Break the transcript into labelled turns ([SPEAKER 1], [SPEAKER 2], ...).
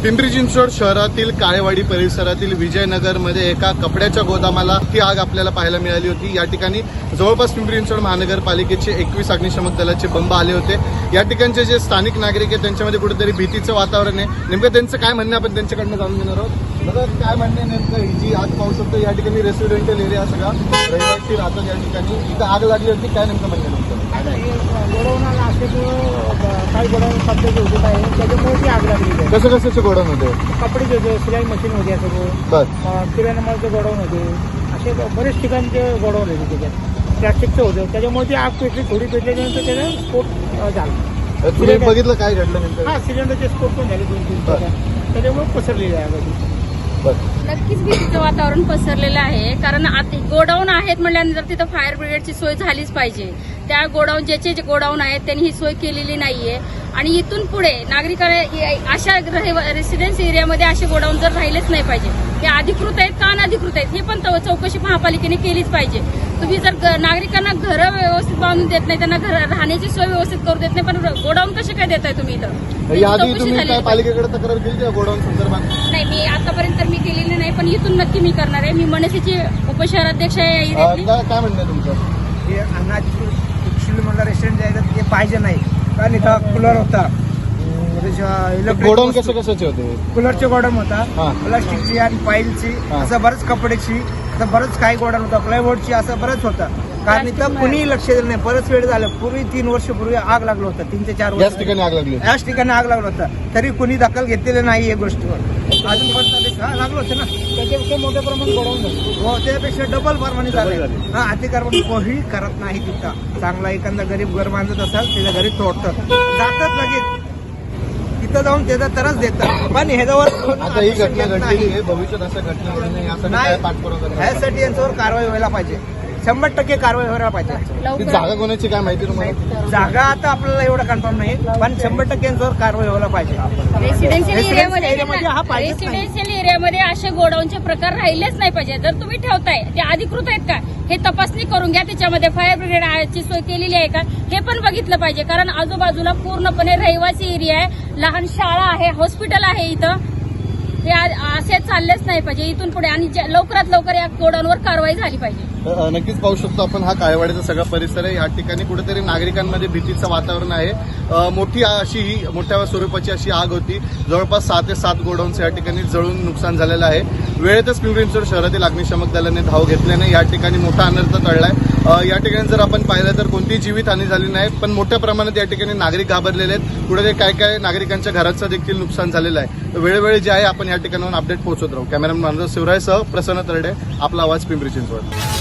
[SPEAKER 1] पिंपरी चिंचवड शहरातील काळेवाडी परिसरातील विजयनगरमध्ये एका कपड्याच्या गोदामाला ही आग आपल्याला पाहायला मिळाली होती। या ठिकाणी जवळपास पिंपरी चिंचवड महानगरपालिकेचे 21 अग्निशमक दलाचे बंब आले होते। या ठिकाणचे जे स्थानिक नागरिक आहेत त्यांच्यामध्ये कुठेतरी भीतीचं वातावरण आहे। नेमकं त्यांचं काय म्हणणं आपण त्यांच्याकडनं जाणून घेणार आहोत। दादा काय म्हणणं आहे नेमकं? ही जी आग पाहू शकतो या ठिकाणी रेसिडेंशियल एरिया सगळा रहिवासी राहतात। या ठिकाणी इथं आग लागली होती, काय नेमकं म्हणणं आहे?
[SPEAKER 2] गोडाऊनाला काही गोडाऊन कपड्याचे होते आहे, त्याच्यामुळे ती आग लागली आहे।
[SPEAKER 1] कसं कशाचे गोडाऊन होते?
[SPEAKER 2] कपडेचे होते, सिलाई मशीन होते, सगळं किराणा मालाचे गोडाऊन होते, असे बरेच ठिकाणचे गोडाऊन होते। त्याच्यात प्लॅस्टिकचं होतं, त्याच्यामुळे ती आग पेटली, थोडी पेटल्यानंतर त्याला स्फोट झाला।
[SPEAKER 1] तुम्ही बघितलं काय घडलं नेमकं?
[SPEAKER 2] हा, सिलेंडरचे स्फोट पण झाले 2-3 त्याच्यामुळे पसरलेली आहे आग।
[SPEAKER 3] नक्कीच भीतीचं वातावरण पसरलेलं आहे, कारण आता गोडाऊन आहेत म्हटल्यानंतर तिथं फायर ब्रिगेडची सोय झालीच पाहिजे। त्या गोडाऊन ज्याचे गोडाऊन आहेत त्यांनी ही सोय केलेली नाहीये आणि इथून पुढे नागरिकांना अशा रेसिडेन्स एरियामध्ये असे गोडाऊन जर राहिलेच नाही पाहिजे। हे अधिकृत आहेत का अनधिकृत आहेत हे पण चौकशी महापालिकेने केलीच पाहिजे। तुम्ही जर नागरिकांना घरं व्यवस्थित बांधून देत नाही, त्यांना घर राहण्याची सोय व्यवस्थित करू देत नाही, पण गोडाऊन कसे काय देताय तुम्ही इथं?
[SPEAKER 1] याआधी तुम्ही काय पालिकेकडे तक्रार केली गोडाऊन संदर्भात?
[SPEAKER 3] नाही, मी आतापर्यंत मी केलेली नाही, पण इथून नक्की मी करणार आहे। मी मनसेची उपशहराध्यक्ष आहे।
[SPEAKER 1] काय म्हणणं तुमचं?
[SPEAKER 2] हे अनाज रेस्टॉरंट जे आहे ते पाहिजे नाही, कारण इथं कूलर होता,
[SPEAKER 1] गोडाऊन कसे कशाचे होते?
[SPEAKER 2] कूलरचे गोडाऊन होता,
[SPEAKER 1] हा.
[SPEAKER 2] प्लास्टिकची आणि पाईलची,
[SPEAKER 1] हा.
[SPEAKER 2] असं बरंच कपड्याची, असं बरंच काही गोडाऊन होता, प्लायवूडची, असं बरंच होतं। कारण इथं कुणी लक्ष दिलं नाही। बरंच वेळ झालं, पूर्वी 3 वर्षापूर्वी आग लागलं होतं, 3 ते 4
[SPEAKER 1] याच
[SPEAKER 2] वर्ष
[SPEAKER 1] ठिकाणी आग लागली.
[SPEAKER 2] याच ठिकाणी आग लागलं होतं, तरी कुणी दखल घेतलेलं नाही या गोष्टीवर। अजून लागलं होतं ना, त्याच्यापेक्षा मोठ्या प्रमाणात गोडाऊन झालं, हो, त्यापेक्षा डबल प्रमाणे झालं। हा, अतिक्रमण कोणी करत नाही तिथं। चांगला एखादा गरीब घर बांधत असेल त्याच्या घरी तोडतात, जातात लगेच तिथं जाऊन त्याचा त्रास देतात, पण ह्याच्यावर
[SPEAKER 1] आता ही घटना घडली आहे, भविष्यात असं घटना घडू नये यासाठी काय पाठपुरावा करणार?
[SPEAKER 2] ह्यासाठी यांच्यावर कारवाई व्हायला पाहिजे, 100% कारवाई व्हायला पाहिजे।
[SPEAKER 1] ती जागा कोणाची काय माहिती तुम्हाला?
[SPEAKER 2] जागा आता आपल्याला एवढं कन्फर्म नाही, पण 100% यांच्यावर कारवाई व्हायला पाहिजे।
[SPEAKER 3] रेसिडेन्शियल
[SPEAKER 2] एरियामध्ये
[SPEAKER 3] रेसिडेन्शियल एरियामध्ये असे गोडाऊनचे प्रकार राहिलेच नाही पाहिजे। जर तुम्ही ठेवताय ते अधिकृत आहेत का हे तपासणी करून घ्या। त्याच्यामध्ये फायर ब्रिगेडची सोय केलेली आहे का हे पण बघितलं पाहिजे, कारण आजूबाजूला पूर्णपणे रहिवासी एरिया आहे, लहान शाळा आहे, हॉस्पिटल आहे इथं। हे असे चाललेच नाही पाहिजे इथून पुढे, आणि लवकरात लवकर या गोडाऊनवर कारवाई झाली पाहिजे।
[SPEAKER 1] नक्कीच पाहू शकतो आपण, हा काळेवाडीचा सगळा परिसर आहे। या ठिकाणी कुठेतरी नागरिकांमध्ये भीतीचं वातावरण आहे। मोठ्या स्वरूपाची अशी आग होती, जवळपास 6 ते 7 गोडाऊन्स या ठिकाणी जळून नुकसान झालेलं आहे। वेळेतच पिंपरी चिंचवड शहरातील अग्निशमक दलाने धाव घेतल्याने या ठिकाणी मोठा अनर्थ टळलाय। या ठिकाणी जर आपण पाहिलं तर कोणतीही जीवितहानी झाली नाही, पण मोठ्या प्रमाणात या ठिकाणी नागरिक घाबरलेले आहेत। कुठेतरी काय नागरिकांच्या घराचं देखील नुकसान झालेलं आहे। वेळोवेळी जे आहे आपण या ठिकाणाहून अपडेट पोहोचवत राहू। कॅमेरामॅन मनोज शिवरायसह प्रसन्न तरडे, आपला आवाज, पिंपरी चिंचवड।